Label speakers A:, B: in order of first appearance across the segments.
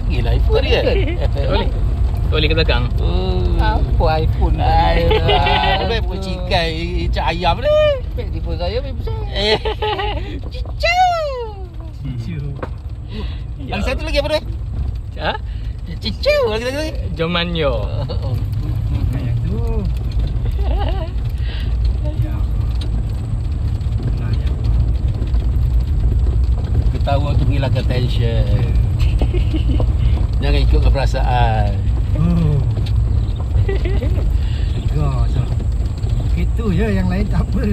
A: lagi lah iPhone dia.
B: Tak boleh. Tak boleh ke belakang.
C: Apa iPhone
A: Ayolah. Baik pun cikai cak ayam ni.
C: Telefon saya lebih besar.
A: Cicau. Lagi satu lagi apa tu?
B: Ha?
A: Cicau lagi.
B: Jomanyo.
D: Kayak tu.
A: Ketawa untuk menghilangkan tension. Jangan ikut perasaan.
D: Oh. Tegar sah. Itu je, yang lain tak apa.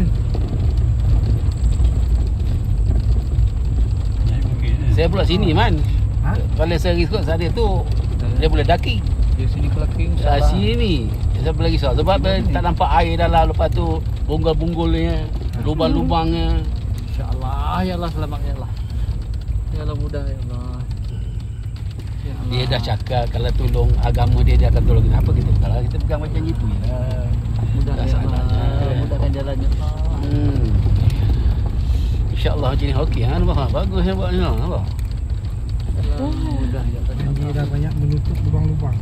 A: Saya pula sini man.
D: Ha?
A: Kalau saya risau saya tu dia boleh daki.
C: Di sini kelaking
A: Sini saya boleh risau sebab tak nampak air dalam, lepas tu bonggol-bonggolnya, lubang-lubangnya.
C: InsyaAllah. Ya Allah selamat ya Allah. Ya Allah mudah ya Allah. Ya Allah.
A: Dia dah cakap kalau tolong agama dia akan tolong kita. Apa kita kalau kita pegang macam itu ya.
C: Mudah
A: dah
C: ya Allah.
A: saatnya.
C: Mudahkan jalannya Allah.
A: InsyaAllah macam ni okey ha. Nampak bagus yang buat ni nampak.
C: Mudah ya Allah.
D: Dan dia dah banyak menutup lubang-lubang.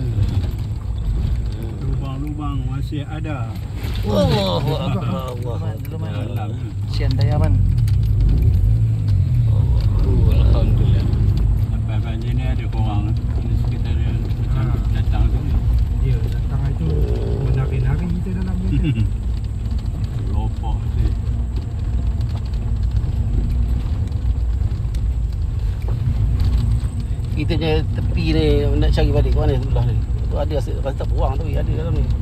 E: Lubang-lubang masih ada.
A: Allahu akbar.
E: Dalam.
C: Sian Dayaman.
A: Alhamdulillah.
E: Sampai banjir ni ada korang di sekitar dia macam datang tu.
D: Dia datang itu menari-nari kita dalam dia.
E: Lopok tu.
A: Kita punya tepi ni nak cari balik ke mana sebelah ni. Tu ada rasa tak buang tapi ada dalam ni.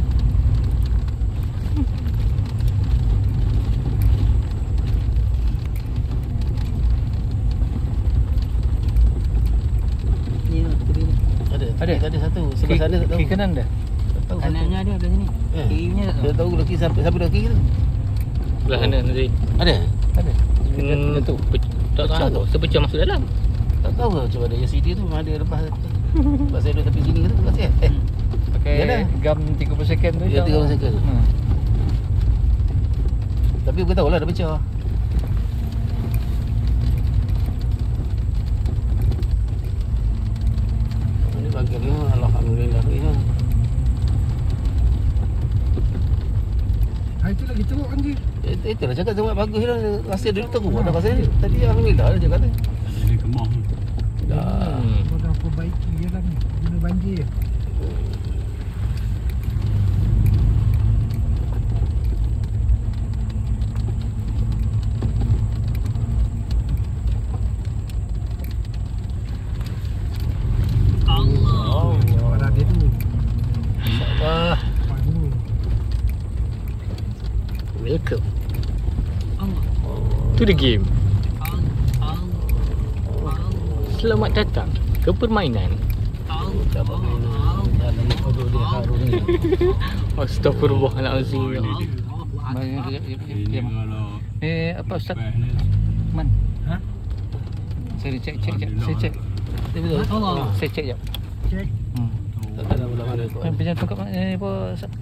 C: Ni tepi ni.
A: Ada satu. Sebelah sana tak tahu.
C: Kiri kanan dah.
A: Tak tahu satu.
C: Kanannya ada sini.
A: Eh.
C: Kirinya tak
A: Dia
C: tahu.
A: tahu lelaki siapa lelaki tu.
B: Belah sana nanti.
A: Ada?
C: Ada.
B: Hmm,
A: tu.
B: Tak tahu. Sepecah masuk dalam.
A: Tak tahu lah cuba ada LCD tu ada lepas. Lepas saya duduk tepi sini ke tu kasih.
C: Pakai
A: Yalah.
C: gam 30 second tu.
A: Ya, 30 second.
C: Hmm.
A: Tapi bukan tahu lah dah pecah. Ini bangkit ni alhamdulillah tu ya.
D: Itu lagi teruk kan dia.
A: Itulah cakap sangat bagus lah. Rasa dulu teruk dah rasa ni. Tadi alhamdulillah dia cakap tu.
E: Tak jadi kemah.
A: Dah.
D: Kau dah perbaiki je lah ni. Guna banjir.
A: Allah.
D: Pada dia tu.
A: Allah.
D: Nampak dulu.
A: Welcome.
B: Tu the game. Selamat datang ke permainan.
A: Tak permainan. Jalan kodoh dia harum ni.
B: Astaghfirullahalazim.
E: Ini kalau
C: Apa Ustaz?
E: best ni.
C: Man.
D: Ha?
C: Saya cek. Saya cek.
A: Betul.
C: Saya cek jap.
D: Cek.
A: Tak tahu lah mana tu.
C: Pinjam tongkat apa Ustaz?